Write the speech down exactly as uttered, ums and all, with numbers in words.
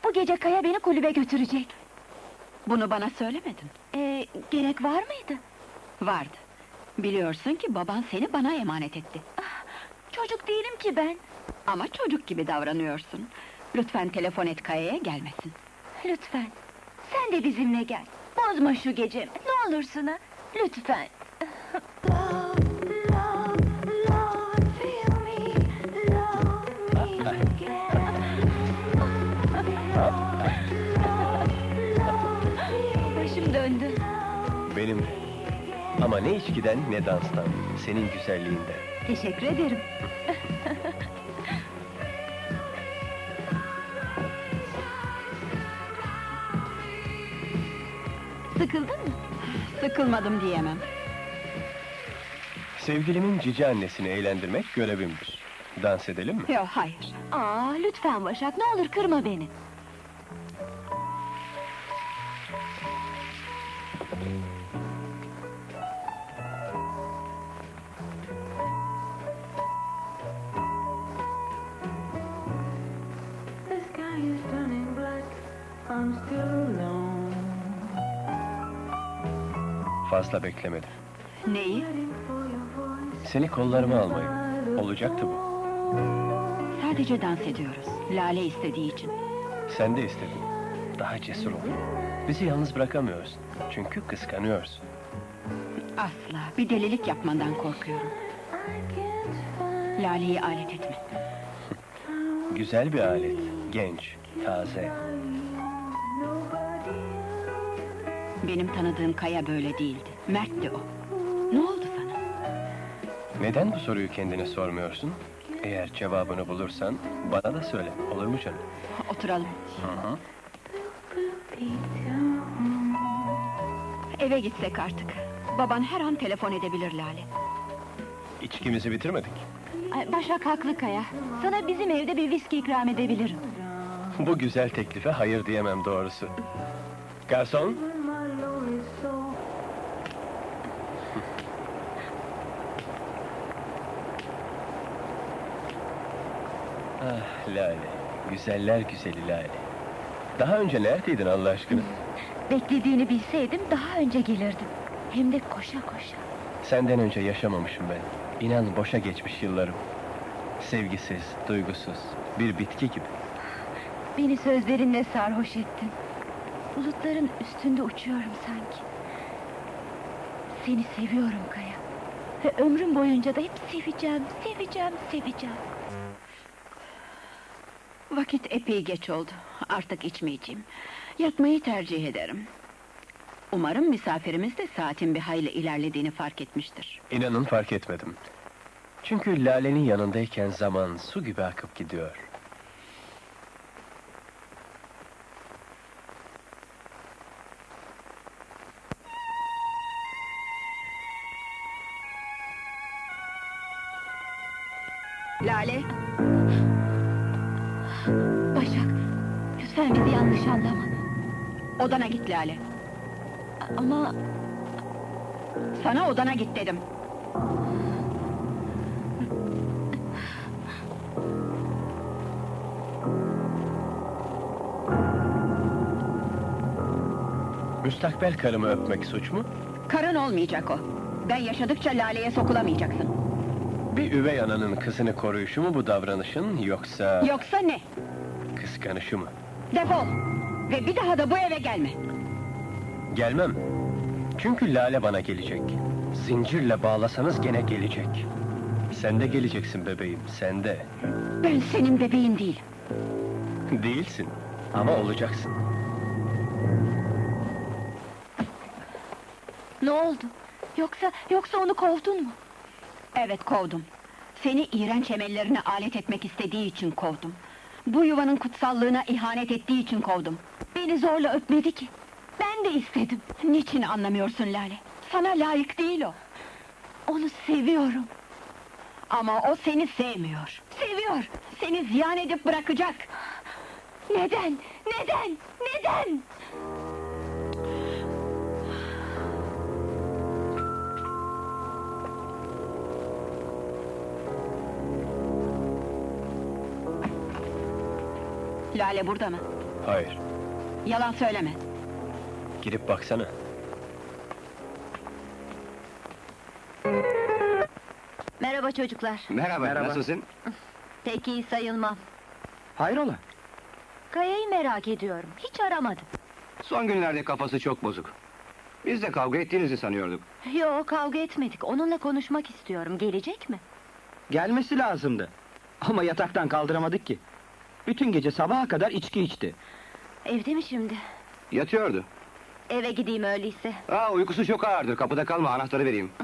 Bu gece Kaya beni kulübe götürecek. Bunu bana söylemedin. Ee, gerek var mıydı? Vardı. Biliyorsun ki baban seni bana emanet etti. Çocuk değilim ki ben. Ama çocuk gibi davranıyorsun. Lütfen telefon et Kaya'ya gelmesin. Lütfen, sen de bizimle gel. Bozma şu gecemi, ne olursun ha? Lütfen. Başım döndü. Benim de. Ama ne içkiden ne danstan, senin güzelliğinden. Teşekkür ederim. Sıkıldın mı? Sıkılmadım diyemem. Sevgilimin cici annesini eğlendirmek görevimdir. Dans edelim mi? Yok, hayır. Aa, lütfen Başak, ne olur kırma beni. The sky is turning black, I'm still alone. Fazla beklemedim. Neyi? Waiting for your voice. Seni kollarıma almayı. Olacaktı bu. Sadece dans ediyoruz. Lale istediği için. Sen de istedin. Daha cesur ol. Bizi yalnız bırakamıyorsun. Çünkü kıskanıyorsun. Asla, bir delilik yapmandan korkuyorum. I can't find Lale'yi alet etme. Güzel bir alet. Genç, taze. nobody. Benim tanıdığım Kaya böyle değildi. Mert'ti o. Ne oldu sana? Neden bu soruyu kendine sormuyorsun? Eğer cevabını bulursan bana da söyle. Olur mu canım? Oturalım. Hı hı. Eve gitsek artık. Baban her an telefon edebilir Lale. İçkimizi bitirmedik. Ay, Başak haklı Kaya. Sana bizim evde bir viski ikram edebilirim. Bu güzel teklife hayır diyemem doğrusu. Garson, My lonely soul. ah Lale, güzeller güzeli Lale. Daha önce neredeydin Allah aşkına? Beklediğini bilseydim daha önce gelirdim. Hem de koşa koşa. Senden önce yaşamamışım ben. İnan boşa geçmiş yıllarım. Sevgisiz, duygusuz, bir bitki gibi. Beni sözlerinle sarhoş ettin. Bulutların üstünde uçuyorum sanki. Seni seviyorum Kaya. Ve ömrüm boyunca da hep seveceğim, seveceğim, seveceğim. Vakit epey geç oldu. Artık içmeyeceğim. Yatmayı tercih ederim. Umarım misafirimiz de saatin bir hayli ilerlediğini fark etmiştir. İnanın fark etmedim. Çünkü Lale'nin yanındayken zaman su gibi akıp gidiyor. Lale, Başak, lütfen bizi yanlış anlama. odana git Lale. Ama Sana odana git dedim. Müstakbel karımı öpmek suç mu? Karın olmayacak o. Ben yaşadıkça Lale'ye sokulamayacaksın. Bir üvey ananın kızını koruyuşu mu bu davranışın, yoksa... Yoksa ne? kıskanışı mı? Defol! Ve bir daha da bu eve gelme. Gelmem. Çünkü Lale bana gelecek. Zincirle bağlasanız gene gelecek. Sen de geleceksin bebeğim, sen de. Ben senin bebeğin değilim. Değilsin, ama olacaksın. ne oldu? Yoksa, yoksa onu kovdun mu? Evet, kovdum. Seni iğrenç emellerine alet etmek istediği için kovdum. Bu yuvanın kutsallığına ihanet ettiği için kovdum. Beni zorla öpmedi ki. Ben de istedim. Niçin anlamıyorsun Lale? Sana layık değil o. Onu seviyorum. Ama o seni sevmiyor. Seviyor. Seni ziyan edip bırakacak. Neden? Neden? Neden? Lale burada mı? Hayır. Yalan söyleme. Girip baksana. Merhaba çocuklar. Merhaba, Merhaba. nasılsın? Pek iyi sayılmam. Hayrola? Kaya'yı merak ediyorum. Hiç aramadım. Son günlerde kafası çok bozuk. Biz de kavga ettiğinizi sanıyorduk. Yo, kavga etmedik. Onunla konuşmak istiyorum. Gelecek mi? Gelmesi lazımdı. Ama yataktan kaldıramadık ki. Bütün gece sabaha kadar içki içti. Evde mi şimdi? Yatıyordu. Eve gideyim öyleyse. Aa, uykusu çok ağırdır, kapıda kalma, anahtarı vereyim.